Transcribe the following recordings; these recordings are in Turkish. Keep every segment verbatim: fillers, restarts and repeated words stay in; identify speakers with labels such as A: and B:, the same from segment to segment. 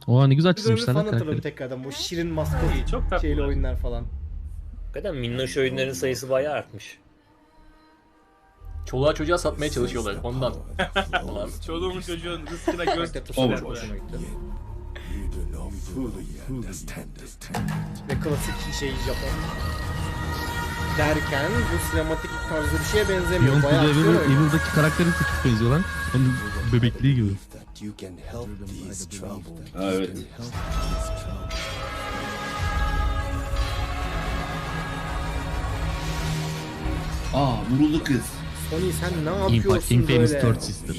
A: Oha ne güzel
B: Biz
A: çizmişler
B: falan
A: lan
B: hatırladım
A: karakteri.
B: tekrardan. Bu şirin maskot
C: Çok tatlı.
B: şeyli oyunlar falan.
D: Hakikaten minnoş oyunların sayısı bayağı artmış.
E: Çoluğa çocuğa satmaya çalışıyorlar ondan.
C: Çoluğumun çocuğun rızkına göz
B: Karakter
C: tutuşlar
B: tasarımı
C: böyle.
B: hoşuma gitti. Ve klasik şey Japon. Derken bu sinematik tarzı bir şeye benzemiyor.
A: Beyond Good
B: Bayağı
A: Evil,
B: aksiyon oyunu.
A: Evil'daki karakteri çok benziyor lan. Onun bebekliği gibi.
F: Ha, evet. Aa, vuruldu kız.
B: Sony sen ne
A: Infamous,
B: yapıyorsun
A: Infamous
B: böyle?
A: Third Sister.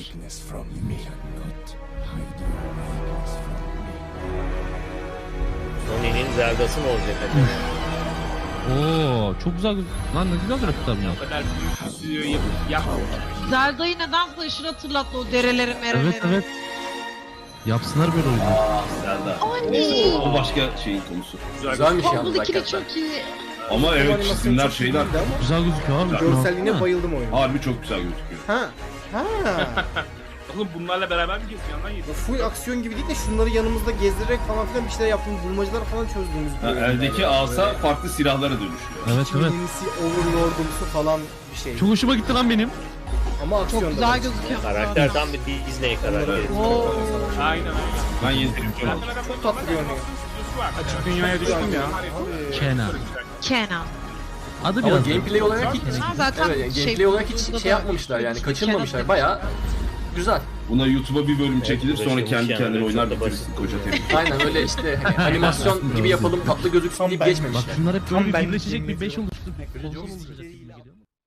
D: Sony'nin Zelda'sı mı olacak acaba?
A: Oo çok güzel. Lan ne güzel grafikler bunlar.
C: O kadar büyük bir stüdyo yapıp yapmamış.
G: Zelda'yı nedense aşırı hatırlattı o dereleri mereleri.
A: Evet evet. Yapsınlar böyle oyunu.
F: Aa, Zelda.
G: Ay.
F: Neyse, o başka şeyin konusu.
E: Güzelmiş yalnız
G: Bubble'daki de
E: hakikaten.
G: çok iyi.
F: Ama
B: Bu
F: evet
B: animasyon
F: çizimler
B: çok
F: şeyler
B: iyiydi ama
A: Güzel gözüküyor abi.
B: görselliğine
A: Ha.
B: bayıldım oyunun.
F: harbi çok güzel gözüküyor.
B: Ha. Ha.
C: Oğlum bunlarla beraber mi geziyorsun lan?
B: Bu full aksiyon gibi değil de şunları yanımızda gezdirerek falan filan bir şeyler yaptığımız, bulmacalar falan çözdüğümüz bir
F: Ha,
B: oyun
F: eldeki
B: yani.
F: asa
B: Böyle
F: farklı silahlara dönüşüyor.
A: Evet evet.
B: Çinlisi, overlordumsu falan bir şey.
A: Çok hoşuma gitti lan benim.
B: Ama aksiyon
G: Çok
B: da
G: güzel
B: var.
G: gözüküyor.
D: Karakter tam bir Disney karakteri.
G: Oo.
C: Aynen aynen.
F: Ben yedirim çok aldım.
B: Çok tatlı görünüyor.
C: Açık dünyaya düştüm ya.
A: Kenan.
G: Kenan.
A: Adı
E: Ama
A: biraz.
E: gameplay olarak hiç,
G: Ha, zaten
E: evet,
G: şey,
E: gameplay olarak
G: burada
E: hiç
G: da
E: şey yapmamışlar yani
G: Kenan
E: kaçırmamışlar.
G: demiş.
E: Bayağı güzel.
F: Buna YouTube'a bir bölüm çekilir sonra
D: uğraşılmış
F: kendi
D: yani,
F: kendine
D: çok
F: oynar
D: da
F: bitirirsin koca terim.
E: Aynen öyle işte hani animasyon gibi yapalım tatlı gözüksün deyip
B: ben-
A: Bak
E: geçmemişler.
A: şunlar hep
B: Tam
A: böyle
B: ben
A: birleşecek bir
B: yemin
A: beş
B: ediyorum.
A: oluştu. Konsol olacak gibi geliyor.